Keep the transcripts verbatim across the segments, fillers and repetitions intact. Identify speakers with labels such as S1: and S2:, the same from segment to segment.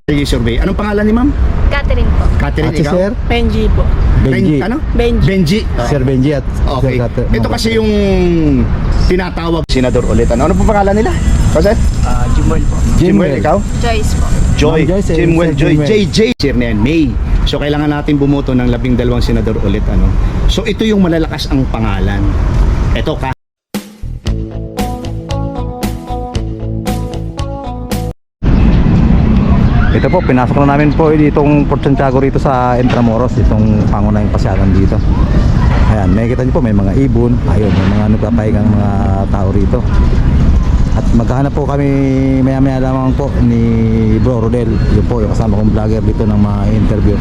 S1: Kalye Survey. Anong pangalan ni ma'am?
S2: Catherine po.
S1: Catherine,
S3: At si
S1: ikaw?
S3: Sir
S4: Benji po.
S3: Benji.
S1: Ben, ano?
S4: Benji.
S1: Benji.
S3: Sir Benji at
S1: Okay.
S3: Sir Kat-
S1: Ito kasi yung tinatawag senador ulit. Ano, ano po pangalan nila? Kasi?
S4: Ah, Jimoy po.
S1: Jimwell, ikaw?
S2: Joyce po.
S1: Joy.
S3: Ma'am Joyce, eh,
S1: Jimwell,
S3: Sir
S1: Joy.
S3: Jimwell.
S1: J J. Sir na yan, May. So kailangan natin bumuto ng labing dalawang senador ulit. Ano? So ito yung malalakas ang pangalan. Ito ka.
S3: Ito po, pinasok na namin po itong Port Santiago rito sa Intramuros, itong pangunahing pasyalan dito. Ayan, makikita niyo po may mga ibon, ayun, may mga nagpapahingang mga tao rito. At maghahanap po kami maya maya lamang po ni Bro Rodel, yun po yung kasama kong vlogger dito ng mga interview.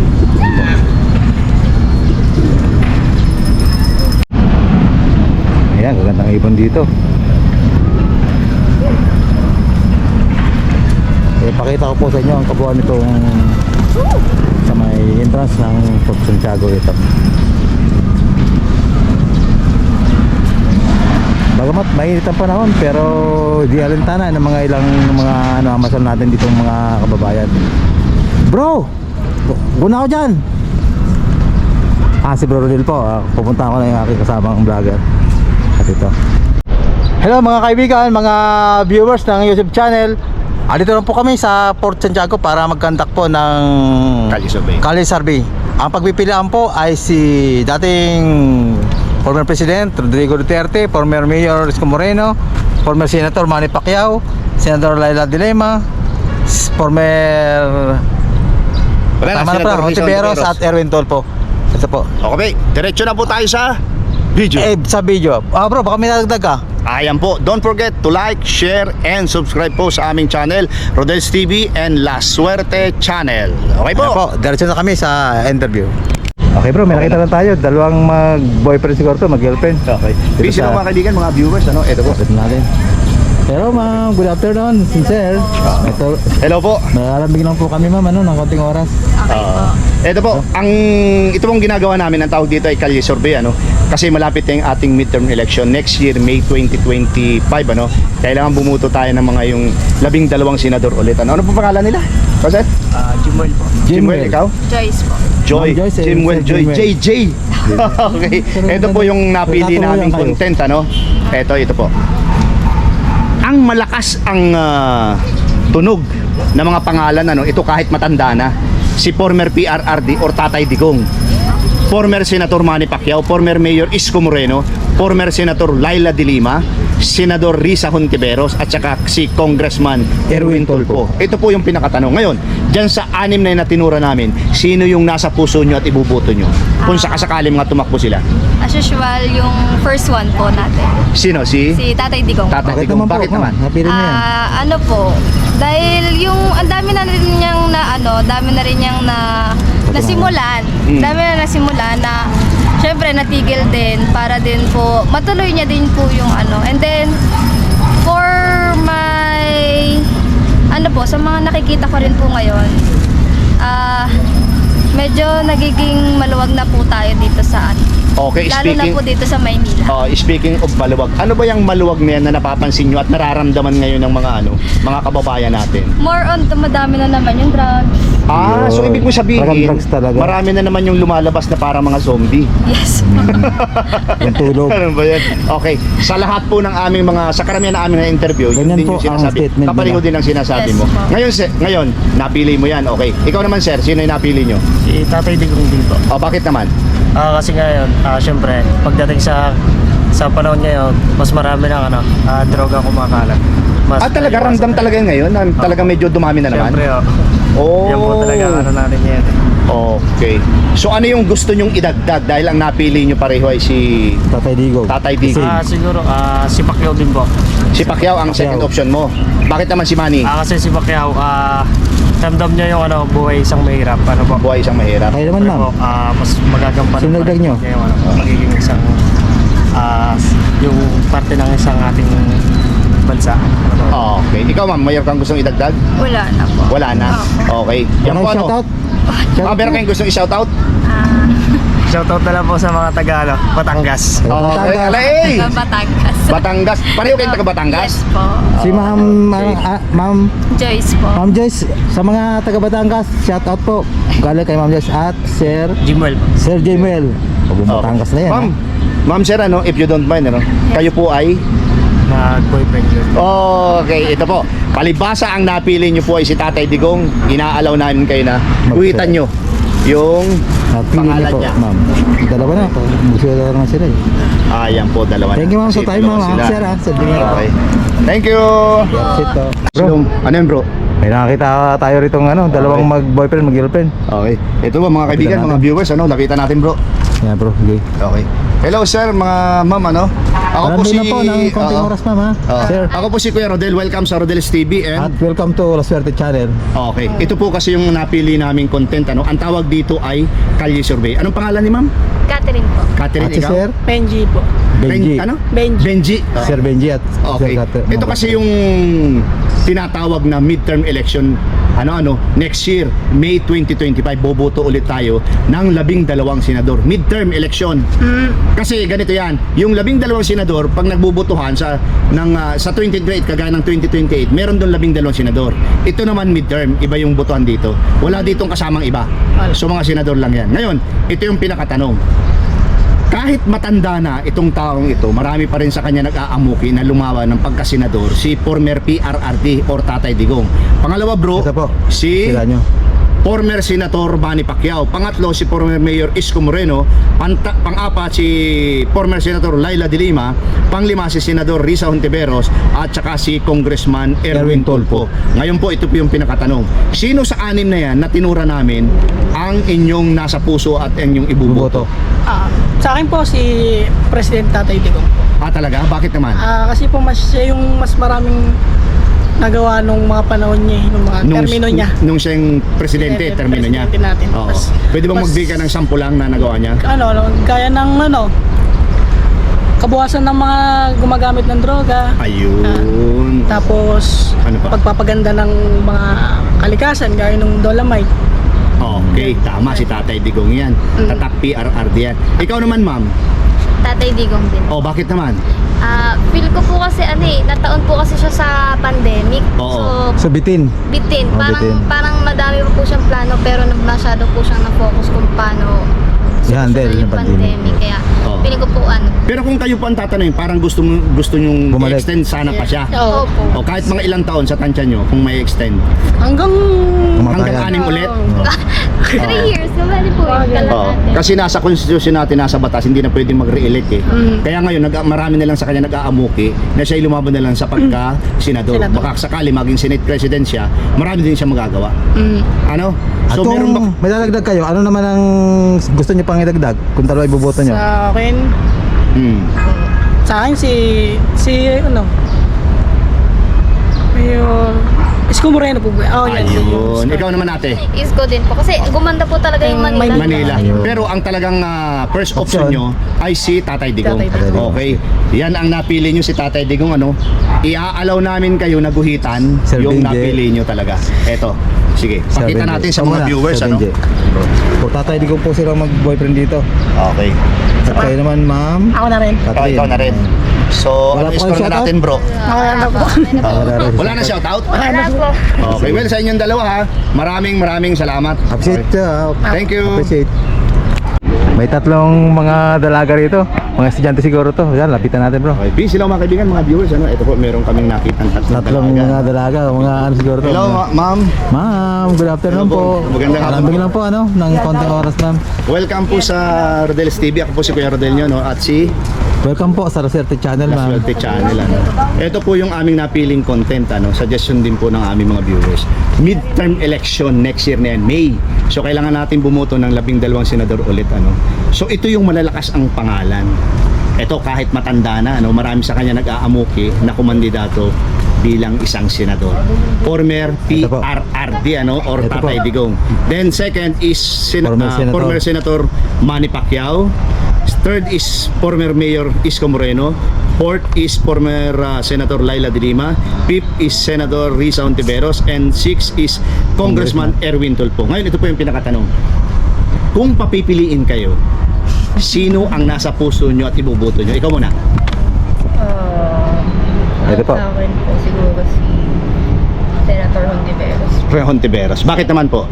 S3: Ayan, gagandang ibon dito. Eh, pakita ko po sa inyo ang kabuuan nitong sa may entrance ng Port Santiago ito. Bagamat mainit ang panahon pero di alintana ng mga ilang mga ano amasal natin ditong mga kababayan. Bro, guna ako dyan. Ah, si Bro Rodel po. Ah, pupunta ako na yung aking kasamang vlogger. At ito. Hello mga kaibigan, mga viewers ng YouTube channel. Ah, dito lang po kami sa Port Santiago para mag-conduct po ng
S1: Kalye Survey.
S3: Kalye Survey. Ang pagpipilian po ay si dating former President Rodrigo Duterte, former Mayor Isko Moreno, former Senator Manny Pacquiao, Senator Laila de Lima, former
S1: Wala na,
S3: tama na
S1: Senator
S3: pala,
S1: Rizal
S3: Ontiveros
S1: Ontiveros.
S3: at Erwin Tolpo. Ito po.
S1: Okay, diretso na po tayo sa video.
S3: Eh, sa video. Ah bro, baka may nadagdag ka.
S1: Ayan po, don't forget to like, share, and subscribe po sa aming channel, Rodel's T V and La Suerte Channel. Okay po?
S3: Ayan po, diretso na kami sa interview. Okay bro, may nakita lang tayo. Dalawang mag-boyfriend siguro to, mag-girlfriend.
S1: Okay.
S3: Dito
S1: Busy
S3: sa-
S1: na mga kaibigan, mga viewers, ano? Ito po.
S3: Ito natin. Hello ma'am, good afternoon, sincere. Ito,
S1: Hello po.
S3: nalalambing lang po kami ma'am, ano, ng konting oras.
S2: Okay po.
S1: Ito po, ang ito pong ginagawa namin, ang tawag dito ay Kalye Survey, ano? Kasi malapit na yung ating midterm election next year, May twenty twenty-five, ano? Kailangan bumuto tayo ng mga yung labing dalawang senador ulit, ano? Ano po pangalan nila? Kasi?
S4: Ah, Jimoy po.
S1: Jimwell, ikaw?
S2: Joyce po.
S1: Joy,
S3: Ma'am Joyce, eh,
S1: Jimwell,
S3: Sir
S1: Joy,
S3: Jimwell.
S1: J J. Okay, ito po yung napili
S3: Natutulungan
S1: naming
S3: kayo.
S1: content, ano? Ito, ito po. Ang malakas ang ah, tunog ng mga pangalan, ano? Ito kahit matanda na. Si former P R R D or Tatay Digong, former Senator Manny Pacquiao, former Mayor Isko Moreno, former Senator Laila de Lima, Senador Risa Hontiveros at saka si Congressman Erwin Tulfo. Ito po yung pinakatanong. Ngayon, dyan sa anim na yung natinura namin, sino yung nasa puso nyo at ibubuto nyo? Kung sakasakali mga tumakbo sila.
S2: As usual, yung first one po natin.
S1: Sino? Si?
S2: Si Tatay Digong.
S1: Tatay
S3: Bakit
S1: Digong.
S3: naman po?
S1: Bakit
S3: ma'am?
S1: naman?
S3: Napili niyo yan.
S2: Ah, ano po? Dahil yung ang dami na rin niyang na ano, dami na rin niyang na nasimulan.
S1: Mm.
S2: Dami na nasimulan na syempre natigil din para din po matuloy niya din po yung ano. And then for my ano po, sa mga nakikita ko rin po ngayon, ah medyo nagiging maluwag na po tayo dito sa ano.
S1: Okay,
S2: Lalo na
S1: speaking
S2: po dito sa Maynila.
S1: uh, speaking of maluwag, ano ba yung maluwag na yan na napapansin nyo at nararamdaman ngayon ng mga ano, mga kababayan natin?
S2: More on dumadami na naman yung drugs.
S1: Ah, so
S3: Yun.
S1: ibig mo sabihin,
S3: Talagang drugs talaga.
S1: marami na naman yung lumalabas na para mga zombie.
S2: Yes.
S3: Yung tulog.
S1: Ano ba yan? Okay, sa lahat po ng aming mga, sa karamihan ng aming na interview, yun
S3: Ganyan
S1: din
S3: po
S1: yung
S3: ang
S1: sinasabi.
S3: statement
S1: Kapaligod
S3: nila.
S1: din ang sinasabi
S2: Yes
S1: mo.
S2: po.
S1: Ngayon, se- ngayon, napili mo yan, okay. Ikaw naman sir, sino yung napili nyo?
S4: Si Tatay Digong din po.
S1: O, bakit naman?
S4: Ah, kasi ngayon, ah, syempre, pagdating sa sa panahon ngayon, mas marami ng ano, ah, droga kumakalat. Mas
S1: Ah, talaga,
S4: naiwasan
S1: ramdam
S4: tayo.
S1: talaga ngayon, na talaga medyo dumami na naman?
S4: Syempre, oh.
S1: Oh.
S4: Yan po talaga ang ano natin ngayon.
S1: Okay. So ano yung gusto nyong idagdag dahil ang napili nyo pareho ay si
S3: Tatay Digong.
S1: Tatay Digong?
S4: Ah, siguro, ah, si Pacquiao din po.
S1: Si Pacquiao ang
S3: Pacquiao.
S1: second option mo. Bakit naman si Manny?
S4: Ah, kasi si Pacquiao, ah, ramdam niya yung ano, buhay isang mahirap. Ano po?
S1: Buhay isang mahirap.
S3: Kayo naman
S4: Pero
S3: ma'am.
S4: po, ah, mas magagampanan
S3: Sino
S4: pa
S3: nagdag
S4: rin
S3: nyo?
S4: niya yung ano, magiging isang ah, yung parte ng isang ating bansa. Ano po?
S1: Okay. Ikaw ma'am, mayroon kang gustong idagdag?
S2: Wala na po.
S1: Wala na. Okay. Yan po
S3: Ano,
S1: ano?
S3: shoutout?
S1: Ah, meron kayong gustong i-shoutout?
S2: Ah,
S4: Shoutout na lang po sa mga Tagalog, Batangas.
S1: Okay.
S3: Batangas.
S1: Alay!
S2: taga Batangas.
S1: Batangas. Pareho kayong taga Batangas?
S2: Yes po.
S3: Si Ma'am,
S1: Okay.
S3: ah, ah, Ma'am,
S2: Joyce po.
S3: Ma'am Joyce, sa mga taga Batangas, shout out po. Galing kay Ma'am Joyce at Sir,
S4: Jimwell po.
S3: Sir Jamel. Pag Batangas na yan.
S1: Ma'am,
S3: ha?
S1: Ma'am Sir, ano, if you don't mind, ano, kayo po ay...
S4: Mag-boyfriend yun.
S1: Okay, ito po. Palibasa ang napili nyo po ay si Tatay Digong. Inaalaw namin kayo na guhitan nyo yung
S3: Napili
S1: pangalan
S3: niyo po,
S1: niya.
S3: Ma'am. Dalawa na po. Gusto na naman sila eh.
S1: Ayan po, dalawa na.
S3: Thank you, ma'am, sa
S1: Kasi
S3: time,
S1: dalawa
S3: ma'am,
S1: sila.
S3: Sir, ha? Sa tingin.
S1: Okay. Thank you.
S3: That's it po.
S1: Bro,
S3: Bro,
S1: ano yun bro?
S3: may nakakita tayo rito ng ano, dalawang
S1: Okay.
S3: mag-boyfriend, mag-girlfriend.
S1: Okay. Ito ba mga kaibigan,
S3: natin.
S1: mga viewers, ano, lapitan natin bro.
S3: Yan bro, okay.
S1: Okay. Hello sir, mga ma'am, ano? Ako po
S3: Marami
S1: si...
S3: na po ng konting
S1: Oo.
S3: oras, ma'am, ha?
S1: Oo.
S3: Sir.
S1: Ako po si Kuya Rodel. Welcome sa Rodel's T V
S3: At
S1: and...
S3: welcome to La Suerte Channel.
S1: Okay. Ito po kasi yung napili naming content, ano? Ang tawag dito ay Kalye Survey. Anong pangalan ni ma'am?
S2: Catherine po.
S1: Catherine,
S3: At si
S1: ikaw?
S3: Sir
S5: Benji po.
S3: Benji.
S1: Ben, ano?
S5: Benji.
S1: Benji. Oo.
S3: Sir Benji at
S1: Okay.
S3: Sir Kat-
S1: Ito kasi yung tinatawag na midterm election ano-ano next year, May twenty twenty-five, boboto ulit tayo ng labing dalawang senador. Midterm election. Kasi ganito yan, yung labing dalawang senador, pag nagbubotohan sa, ng, ah, sa twenty twenty-eight, kagaya ng twenty twenty-eight, meron doon labing dalawang senador. Ito naman midterm, iba yung botohan dito. Wala ditong kasamang iba. So mga senador lang yan. Ngayon, ito yung pinakatanong. Kahit matanda na itong taong ito, marami pa rin sa kanya nag-aamuki na lumawa ng pagkasenador, si former P R R D or Tatay Digong. Pangalawa bro,
S3: Ito po.
S1: si
S3: Sila nyo.
S1: former Senator Manny Pacquiao. Pangatlo, si former Mayor Isko Moreno. Panta, pang-apat, si former Senator Laila de Lima. Panglima, si Senador Risa Hontiveros. At saka si Congressman Erwin
S3: Erwin Tulfo.
S1: Tulfo. Ngayon po, ito po yung pinakatanong. Sino sa anim na yan na tinura namin ang inyong nasa puso at inyong ibuboto?
S3: Buboto.
S5: Ah, sa akin po si President Tatay Digong po.
S1: Ah, talaga? Bakit naman?
S5: Ah, kasi po mas siya yung mas maraming nagawa nung mga panahon niya, nung mga termino niya.
S1: Nung siyang presidente,
S5: Presidente,
S1: termino niya.
S5: presidente natin.
S1: Oo.
S5: Mas-
S1: Pwede bang
S5: mas-
S1: magbigay ka ng sampu lang na nagawa niya?
S5: Ano, ano, gaya ng ano, kabuhasan ng mga gumagamit ng droga.
S1: Ayun.
S5: Tapos
S1: Ano pa?
S5: pagpapaganda ng mga kalikasan gaya ng Dolomite.
S1: Okay, tama si Tatay Digong yan.
S5: Mm.
S1: Tatak P R R D yan. Ikaw naman, ma'am.
S2: Tatay Digong din.
S1: Oh, bakit naman?
S2: Ah, feel ko po kasi ano eh, nataon po kasi siya sa pandemic.
S1: Oo.
S2: So,
S3: So bitin.
S2: bitin.
S3: Oh,
S2: Parang
S3: bitin.
S2: parang madami pa po siyang plano pero nag- masyado po siyang na-focus kung paano
S3: I-handle
S2: solusyonan
S3: yung pandemic.
S2: Kaya
S1: Oo.
S2: feeling ko po ano.
S1: Pero kung kayo po ang tatanungin, parang gusto mo gusto nyong
S3: Bumalik.
S1: i-extend sana pa siya.
S5: Oo.
S2: Opo.
S1: O kahit mga ilang taon sa tansya nyo kung may extend.
S5: Hanggang
S1: Hanggang
S3: Kamatayan.
S1: anim ulit.
S2: Three years, kabali po yung kala
S1: Oo.
S2: natin.
S1: Kasi nasa constitution natin, nasa batas, hindi na pwedeng mag-re-elect eh.
S5: Mm.
S1: Kaya ngayon, nag, marami na lang sa kanya nag-aamuki na siya lumaban na lang sa pagka-senador.
S5: Senador.
S1: Baka sakali maging Senate President siya, marami din siya magagawa.
S5: mm,
S1: Ano?
S3: At
S1: So
S3: kung
S1: meron ba...
S3: may dadagdag kayo, ano naman ang gusto nyo pang idagdag? Kung dalawa iboboto nyo?
S5: sa akin,
S1: Hmm.
S5: sa akin si si ano Mayor Isko Moreno po ba? Oh, yan.
S1: Ayun. Ikaw naman ate.
S2: Isko din po. Kasi gumanda po talaga yung
S5: Yung
S2: Manila.
S1: Manila.
S3: Ayun.
S1: Pero ang talagang ah, first option
S3: Option.
S1: nyo ay si Tatay Digong.
S5: Tatay
S3: Digong.
S1: Okay. Yan ang napili nyo si Tatay Digong. Ano? Iaalaw namin kayo na guhitan
S3: Sir
S1: yung
S3: Benji.
S1: napili nyo talaga. Eto. Sige.
S3: Sir
S1: Pakita
S3: Benji.
S1: natin sa
S3: Ikaw
S1: mga
S3: muna,
S1: viewers.
S3: Sir
S1: Ano?
S3: Benji. Kung Tatay Digong po silang mag-boyfriend dito.
S1: Okay.
S3: At kayo naman, ma'am.
S5: Ako na rin.
S1: Ikaw, ikaw na rin. So,
S3: Wala
S1: ano
S3: po
S1: score
S3: kayong
S1: na natin bro?
S5: Ako na po.
S1: Ah, wala na shoutout?
S2: Wala po.
S1: Okay. Well, sa inyong dalawa ha. Maraming maraming salamat.
S3: Appreciate
S1: Okay.
S3: siya.
S1: Thank you.
S3: Appreciate. May tatlong mga dalaga rito. Mga estudyante siguro to. Yan, lapitan natin bro.
S1: Okay. Peace, hello mga kaibigan, mga viewers. Ano? Ito po, meron kaming nakita tatlong
S3: Tatlong
S1: dalaga.
S3: mga dalaga. Mga ano siguro to.
S1: Hello,
S3: mga-
S1: ma- ma'am.
S3: Ma'am, good afternoon
S1: Hello po.
S3: po.
S1: Magandang hapon
S3: Alambing
S1: po.
S3: lang po ano, ng konting oras ma'am.
S1: Welcome po sa Rodel's T V. Ako po si Kuya Rodel nyo, no? At si
S3: Welcome po sa Roserte Channel ma'am.
S1: Laswerte Channel. Ano? Ito po yung aming napiling content. Ano? Suggestion din po ng aming mga viewers. Midterm election next year na yan, May. So kailangan natin bumoto ng labing dalawang senador ulit. Ano? So ito yung malalakas ang pangalan. Ito kahit matanda na, ano, marami sa kanya nag-aamuki na kumandidato bilang isang senador. Former P
S3: Ito po.
S1: R R D ano, or
S3: Ito
S1: Tatay
S3: po.
S1: Digong. Then second is sen-
S3: Former
S1: ah,
S3: Senator.
S1: former Senator Manny Pacquiao. Third is former Mayor Isko Moreno. Fourth is former uh, Senator Laila de Lima. Fifth is Senator Risa Hontiveros. And sixth is Congressman Erwin Tulfo. Ngayon, ito po yung pinakatanong. Kung papipiliin kayo, sino ang nasa puso nyo at ibuboto nyo? Ikaw muna.
S2: Uh,
S3: Ito po.
S2: Sa akin po siguro si Senator Hontiveros.
S1: Pre Hontiveros. Bakit naman po?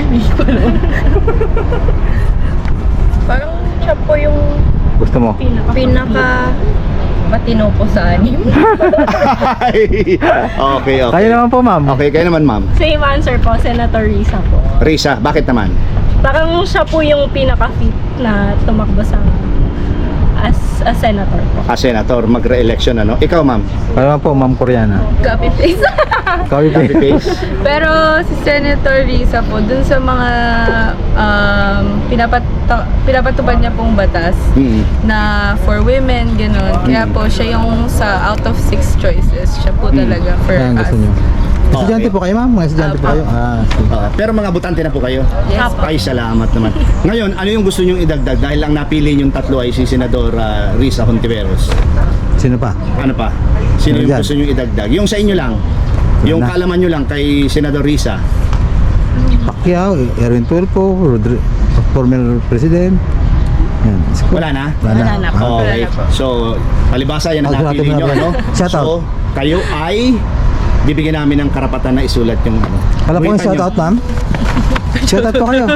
S2: Parang siya po yung
S3: Gusto mo?
S2: pinaka matino po sa anim.
S1: okay, okay.
S3: Kayo naman po, ma'am.
S1: Okay, kayo naman, ma'am.
S6: Same answer po, Senator Risa po.
S1: Risa, bakit naman?
S6: Parang siya po yung pinaka-fit na tumakbo sa as a senator po.
S1: Ah, senator, magre-election ano? Ikaw, ma'am.
S3: Kayo naman po, ma'am Koreana.
S2: Copy paste.
S3: Copy
S1: Copy paste.
S2: Pero si Senator Risa po, dun sa mga um, pinapat pinapatupad niya pong batas
S1: Mm.
S2: na for women, gano'n. Kaya po siya yung sa out of six choices, siya po talaga for
S3: Kaya ang
S2: us.
S3: gusto nyo. Estudyante
S1: Okay.
S3: po kayo, ma'am? Mga estudyante po kayo? Ah, sige.
S1: Ah, pero mga butante na po kayo?
S2: Yes po.
S1: Ay, salamat naman. Ngayon, ano yung gusto nyong idagdag? Dahil ang napili yung tatlo ay si Senador ah, Risa Hontiveros.
S3: Sino pa?
S1: Ano pa? Sino
S3: Ano
S1: yung
S3: dyan?
S1: gusto nyong idagdag? Yung sa inyo lang. Yung
S3: Wala.
S1: kaalaman nyo lang kay Senador Risa.
S3: Pacquiao, Erwin Tulfo, Rodri former president. Yan.
S1: Wala na?
S3: Wala
S2: Wala na po.
S3: Ah,
S1: Okay. So, palibasa yan ang
S3: Ah,
S1: napili
S3: grabe
S1: nyo,
S3: na
S1: ano?
S3: pala. Shout out.
S1: So, kayo ay bibigyan namin ng karapatan na isulat yung ano.
S3: Wala po yung
S1: Guhitan nyo.
S3: shoutout, ma'am? Shoutout po kayo.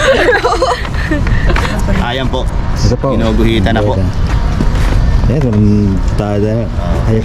S1: Ayan po.
S3: Ito po.
S1: Ginuguhitan na po.
S3: Yan, kung tayo. Ay.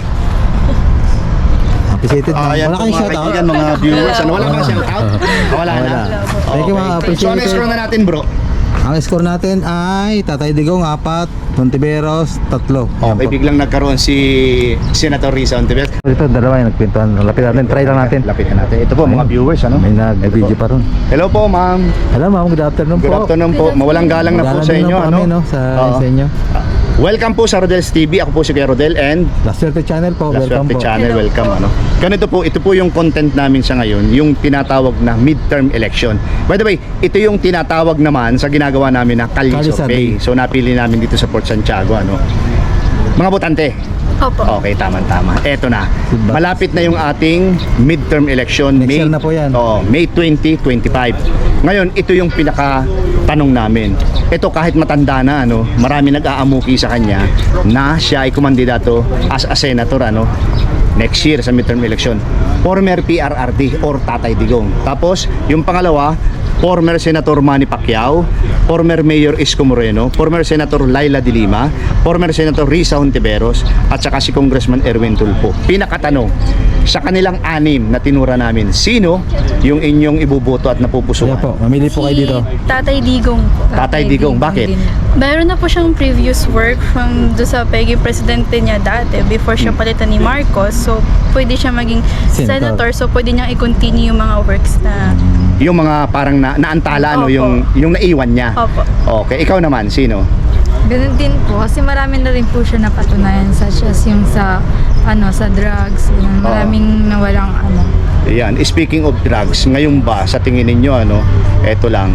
S3: Appreciated, ma'am.
S1: Ayan
S3: Wala
S1: po
S3: kayong
S1: mga
S3: shoutout?
S1: kaibigan, mga viewers. Ano, wala bang shoutout? Wala na.
S3: Thank you, mga
S1: Okay. So, ano
S3: appreciated.
S1: scroll na natin, bro?
S3: Ang score natin ay Tatay Digong, apat. Hontiveros, tatlo. Yan
S1: Okay,
S3: po.
S1: biglang nagkaroon si Senator Risa Hontiveros.
S3: Ito, dalawa yung nagpintuan. Lapit natin, try lang natin.
S1: Lapitan natin. Ito po, mga viewers, ano?
S3: May
S1: Ito
S3: nag-video
S1: po.
S3: pa ron.
S1: Hello po, ma'am.
S3: Hello, ma'am. Good afternoon po.
S1: Good afternoon po. Mawalang galang na po
S3: Galang
S1: sa
S3: din
S1: inyo,
S3: po
S1: ano?
S3: kami, no? Sa,
S1: Oo.
S3: sa inyo.
S1: Welcome po sa Rodel's T V. Ako po si Kuya Rodel and
S3: La Suerte Channel po.
S1: La
S3: Welcome
S1: Suerte
S3: po.
S1: Channel. Welcome, ano? Ganito po, ito po yung content namin sa ngayon, yung tinatawag na midterm election. By the way, ito yung tinatawag naman sa ginagawa namin na Kalye
S3: Kalye
S1: Survey.
S3: Survey.
S1: So napili namin dito sa Port Santiago, ano? Mga botante.
S2: Opo.
S1: Okay, tama-tama. Eto na.
S3: Diba?
S1: Malapit na yung ating midterm election.
S3: Next year na po yan.
S1: Oo, May twenty twenty-five. Ngayon, ito yung pinaka tanong namin. Ito kahit matanda na, ano, marami nag-aamuki sa kanya na siya ay kumandidato as a senator, ano, next year sa midterm election. Former P R R D or Tatay Digong. Tapos, yung pangalawa, former Senator Manny Pacquiao, former Mayor Isko Moreno, former Senator Laila de Lima, former Senator Risa Hontiveros, at saka si Congressman Erwin Tulfo. Pinakatanong, sa kanilang anim na tinura namin, sino yung inyong ibuboto at napupusuan?
S3: Kaya po, mamili po kayo dito.
S2: Tatay Digong po.
S1: Tatay Digong, bakit?
S7: Meron na po siyang previous work from do sa pagiging presidente niya dati before siya palitan ni Marcos. So, pwede siya maging
S3: Senator.
S7: senator. So, pwede niyang i-continue yung mga works na...
S1: Yung mga parang na, naantala, ano,
S7: Opo.
S1: yung, yung naiwan niya.
S7: Opo.
S1: Okay, ikaw naman, sino?
S8: Ganun din po kasi marami na rin po siya napatunayan such as yung sa ano sa drugs, yun, maraming nawalang ano.
S1: Yan, speaking of drugs, ngayon ba sa tingin ninyo, ano, eto lang,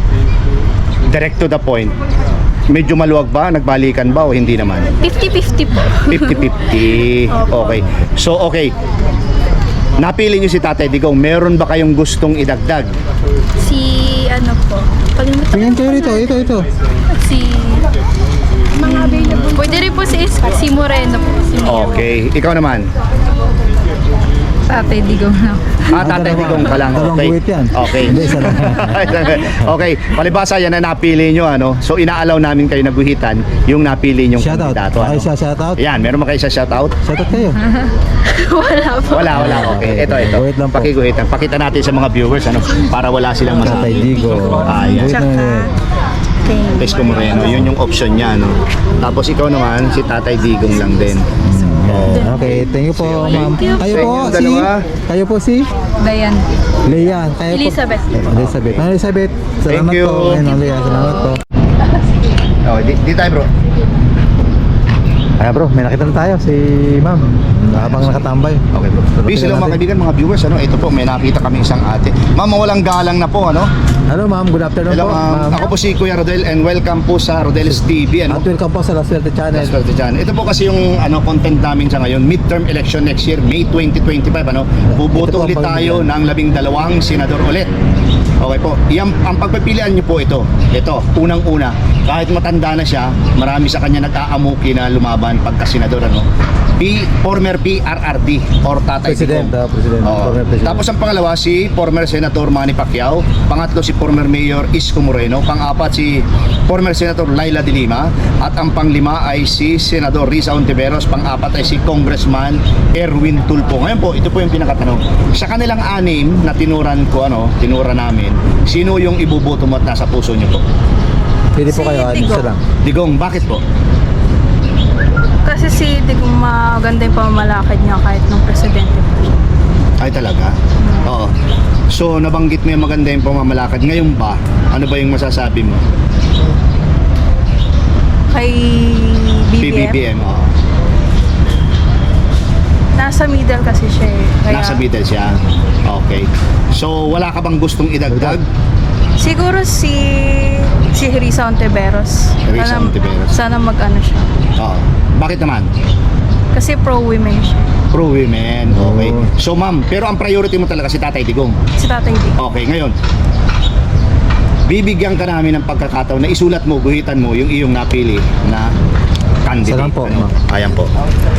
S1: direct to the point, medyo maluwag ba? Nagbalikan ba o hindi naman?
S7: fifty-fifty po.
S1: fifty fifty. Okay. So, okay. Napili niyo si Tatay Digong. Meron ba kayong gustong idagdag?
S7: Si ano po. Kalimutan
S3: Tingnan kayo rito, ito, ito.
S7: si... Mga available. Pwede rin po si, si Moreno po. Si Mayor.
S1: Okay. Ikaw naman.
S8: Tatay Digong na.
S1: Ah, Tatay
S3: dalawa.
S1: Digong ka lang.
S3: Dalawang
S1: Okay.
S3: guhit yan.
S1: Okay.
S3: Hindi, isa lang.
S1: Okay. Palibasa yan na napili nyo, ano? So, inaalaw namin kayo naguhitan yung napili nyong
S3: Shoutout.
S1: kandidato.
S3: Okay,
S1: Ano?
S3: siya shoutout.
S1: Yan, meron ba kayo sa shoutout?
S3: Shoutout kayo.
S7: Wala po.
S1: Wala, wala. Okay. Ito, ito.
S3: Guhit lang po.
S1: Pakiguhitan. Pakita natin sa mga viewers, ano? Para wala silang
S3: Tatay
S1: masabi.
S3: Digong.
S1: Ah, yan.
S3: Guhit na yun.
S1: Isko Moreno, yun yung option niya, no? Tapos ikaw naman, si Tatay Digong lang din.
S3: Yan. Okay, thank you po, ma'am. Kayo
S1: Sa
S3: po
S1: inyong
S3: si...
S1: dalawa.
S3: Kayo po si...
S8: Dayan.
S3: Leia. Kayo po-
S7: Elizabeth.
S3: Elizabeth. Ma'am Elizabeth, salamat
S1: Thank you.
S3: po. Ayun, Ma'am Leia, salamat po.
S1: Oh, di, di tayo, bro.
S3: Ay bro, may nakita na tayo si ma'am. Habang nakatambay.
S1: Okay, bro. Peace, hello mga kaibigan, mga viewers, ano? Ito po, may nakita kami isang ate. Ma'am, mawalang galang na po, ano?
S3: Hello ma'am, good afternoon
S1: Hello,
S3: po.
S1: ma'am. Ako po si Kuya Rodel and welcome po sa Rodel's T V, ano?
S3: At welcome po sa La Suerte Channel.
S1: That's right, dyan. Ito po kasi yung ano content namin sa ngayon, midterm election next year, May twenty twenty-five, ano? Buboto
S3: Ito po
S1: ulit
S3: ang
S1: tayo ng labing dalawang senador ulit. Okay po. Yan, ang pagpipilian niyo po ito. Ito, unang-una, kahit matanda na siya, marami sa kanya nag-aamuki na lumaban pagka senador, ano? P, former P R R D or Tatay
S3: President,
S1: Digong.
S3: ah, President,
S1: Oo.
S3: former President.
S1: Tapos ang pangalawa si former Senator Manny Pacquiao, pangatlo si former Mayor Isko Moreno, pang-apat si former Senator Laila de Lima, at ang panglima ay si Senador Risa Ontiveros, pang-apat ay si Congressman Erwin Tulfo. Ngayon po, ito po yung pinakatanong. Sa kanilang anim na tinuran ko, ano, tinura namin, sino yung ibuboto mo at nasa puso niyo po?
S3: Pwede po
S7: Si
S3: kayo, ano
S7: Digong.
S3: isa lang.
S1: Digong, bakit po?
S7: Kasi si Digong maganda yung pamamalakad niya kahit nung presidente po siya.
S1: Ay talaga? Oo. So nabanggit mo yung maganda yung pamamalakad. Ngayon ba, ano ba yung masasabi mo?
S7: Kay B B M,
S1: B B M, oo.
S7: nasa middle kasi siya eh. Kaya,
S1: Nasa middle siya. Okay. So wala ka bang gustong idagdag?
S7: Siguro si si Risa Ontiveros.
S1: Risa
S7: Sana-
S1: Ontiveros.
S7: Sana mag-ano siya.
S1: Oo. Bakit naman?
S7: Kasi pro-women siya.
S1: Pro women. Okay.
S3: Oo.
S1: So ma'am, pero ang priority mo talaga si Tatay Digong.
S7: Si Tatay Digong.
S1: Okay, ngayon. Bibigyan ka namin ng pagkakataon na isulat mo, guhitan mo yung iyong napili na candidate.
S3: Salamat po,
S1: Ano?
S3: ma'am.
S1: Ayan po.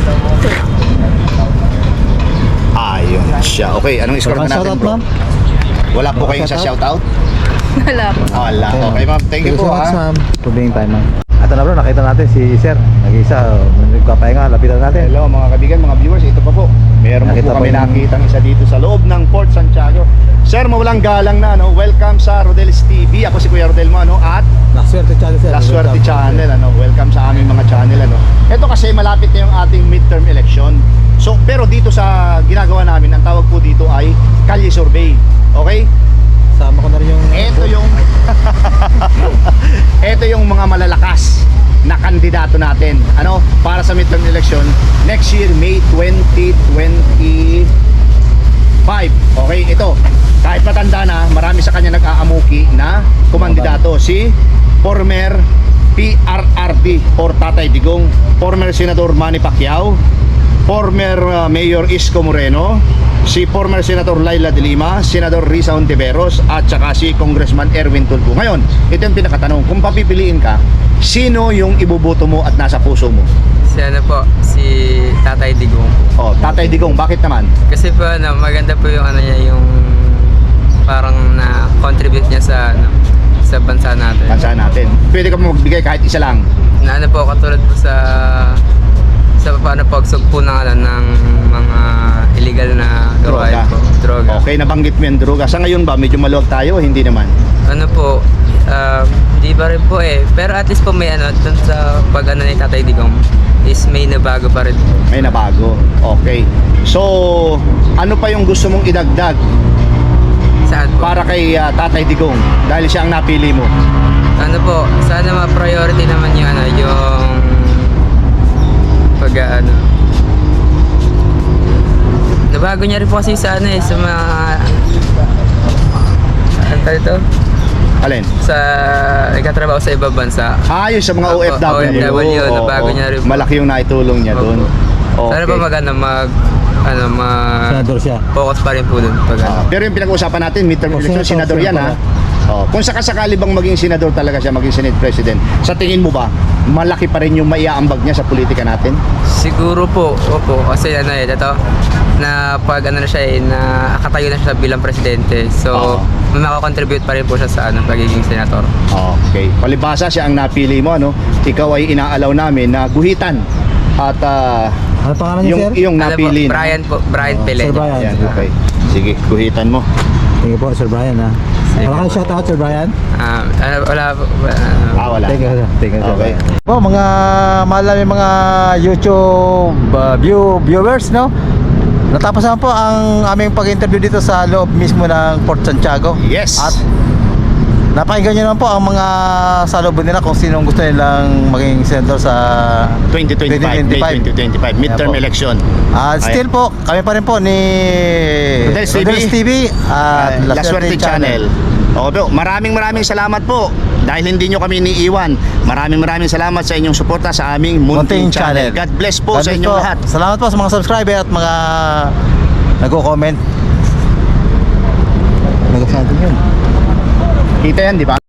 S1: Ayun siya. Okay, anong score
S3: Walang
S1: na natin,
S3: shoutout,
S1: bro?
S3: ma'am?
S1: Wala po kayong sa shoutout?
S7: Wala po.
S1: Wala. Okay, ma'am. Thank you po,
S3: so much,
S1: ha.
S3: ma'am. For being time, ma'am. Ito na bro, nakita natin si Sir. Nag-isa, oh, nagpapahinga, lapitan natin.
S1: Hello mga kaibigan, mga viewers, ito pa po. Meron
S3: Nakita
S1: po kami
S3: po yung-
S1: nakitang isa dito sa loob ng Fort Santiago. Sir, mawalang galang na, ano? Welcome sa Rodel's T V. Ako si Kuya Rodel mo, ano? At
S3: La Suerte Channel, Sir.
S1: La Suerte Channel, ano? Welcome sa aming mga channel, ano? Ito kasi malapit na yung ating midterm election. So, pero dito sa ginagawa namin, ang tawag po dito ay Kalye Survey. Okay?
S3: Sama ko na rin yung...
S1: Ito yung Ito yung mga malalakas na kandidato natin, ano, para sa midterm election next year, May twenty twenty-five. Okay, ito. Kahit matanda na, marami sa kanya nag-aamuki na kumandidato. Si former P R R D or Tatay Digong, former Senador Manny Pacquiao, former uh, Mayor Isko Moreno, si former Senator Laila de Lima, Senador Risa Ontiveros, at saka si Congressman Erwin Tulfo. Ngayon, ito yung pinakatanong, kung papipiliin ka, sino yung ibuboto mo at nasa puso mo?
S9: Si ano po, si Tatay Digong.
S1: Oh, Tatay Digong, bakit naman?
S9: Kasi po ano, maganda po yung ano niya, yung parang na-contribute niya sa ano, sa bansa natin.
S1: Bansa natin. Pwede ka mo magbigay kahit isa lang.
S9: Na ano po, katulad po sa sa paano pagsugpo ng ano, ng mga illegal na
S1: Droga.
S9: gawain po. Droga.
S1: Okay, nabanggit mo yung droga. Sa ngayon ba, medyo maluwag tayo o hindi naman?
S9: Ano po, um, di ba rin po eh. Pero at least po may ano, dun sa pag ano ni Tatay Digong is may nabago pa rin po.
S1: May nabago. Okay. So, ano pa yung gusto mong idagdag
S9: Saan po?
S1: para kay uh, Tatay Digong dahil siya ang napili mo?
S9: Ano po, sana ma-priority naman yung ano, yung pag ano. Nabago niya rin po kasi sa ano eh, sa mga ano tawag ito?
S1: Alin?
S9: Sa nagkatrabaho sa ibang bansa.
S1: Ah, yun sa mga O F W.
S9: O F W,
S1: Oo,
S9: nabago
S1: oo.
S9: niya rin po.
S1: Malaki yung naitulong niya doon. Okay.
S9: Sana pa mag ano, mag ano, mag
S3: Senador siya.
S9: focus pa rin po doon pag ano.
S1: Ah, pero yung pinag-uusapan natin, midterm
S3: Oh,
S1: election,
S3: senator,
S1: senador yan, ha?
S3: senator
S1: Oh, kung sakasakali bang maging senador talaga siya, maging Senate President, sa tingin mo ba, malaki pa rin yung maiaambag niya sa politika natin?
S9: Siguro po, opo, kasi ano eh, ito, na pag ano na siya eh, na akatayo na siya bilang presidente. So,
S1: Oo.
S9: may makakontribute pa rin po siya sa ano, pagiging senator.
S1: Okay. Palibasa siya ang napili mo, ano? Ikaw ay inaalaw namin na guhitan at ah,
S3: Ano pangalan niya,
S1: yung,
S3: Sir?
S1: yung
S9: Ano po,
S1: napili. no?
S9: Brian po, Brian
S3: Oh,
S9: Pele.
S3: Sir Brian.
S1: Ayan, okay. Sige, guhitan mo.
S3: Thank you po, Sir Brian, ha.
S9: Sige
S3: Wala kang
S9: po.
S3: shoutout, Sir Brian?
S9: Ah, ano, wala po, ano,
S1: Ah, wala.
S3: Thank you, sir. Thank you, Sir
S1: Okay.
S3: Brian. Po, mga mahal namin mga YouTube uh, view, viewers, no? Natapos na po ang aming pag-interview dito sa loob mismo ng Fort Santiago.
S1: Yes.
S3: At napakinggan nyo naman po ang mga salubon nila kung sinong gusto nilang maging senator sa
S1: twenty twenty-five, May twenty twenty-five, midterm
S3: Ayan po.
S1: election.
S3: At still po, kami pa rin po ni
S1: Rodel's T V.
S3: Rodel's T V at
S1: Uh, La Suerte Channel. Okay po, maraming maraming salamat po dahil hindi nyo kami iniiwan. Maraming maraming salamat sa inyong suporta sa aming Munting
S3: Munting
S1: Channel.
S3: Channel.
S1: God bless po
S3: God
S1: sa
S3: bless
S1: inyong
S3: po.
S1: lahat.
S3: Salamat po sa mga subscriber at mga nagko-comment. Nag-comment yun.
S1: Kita yan, di ba?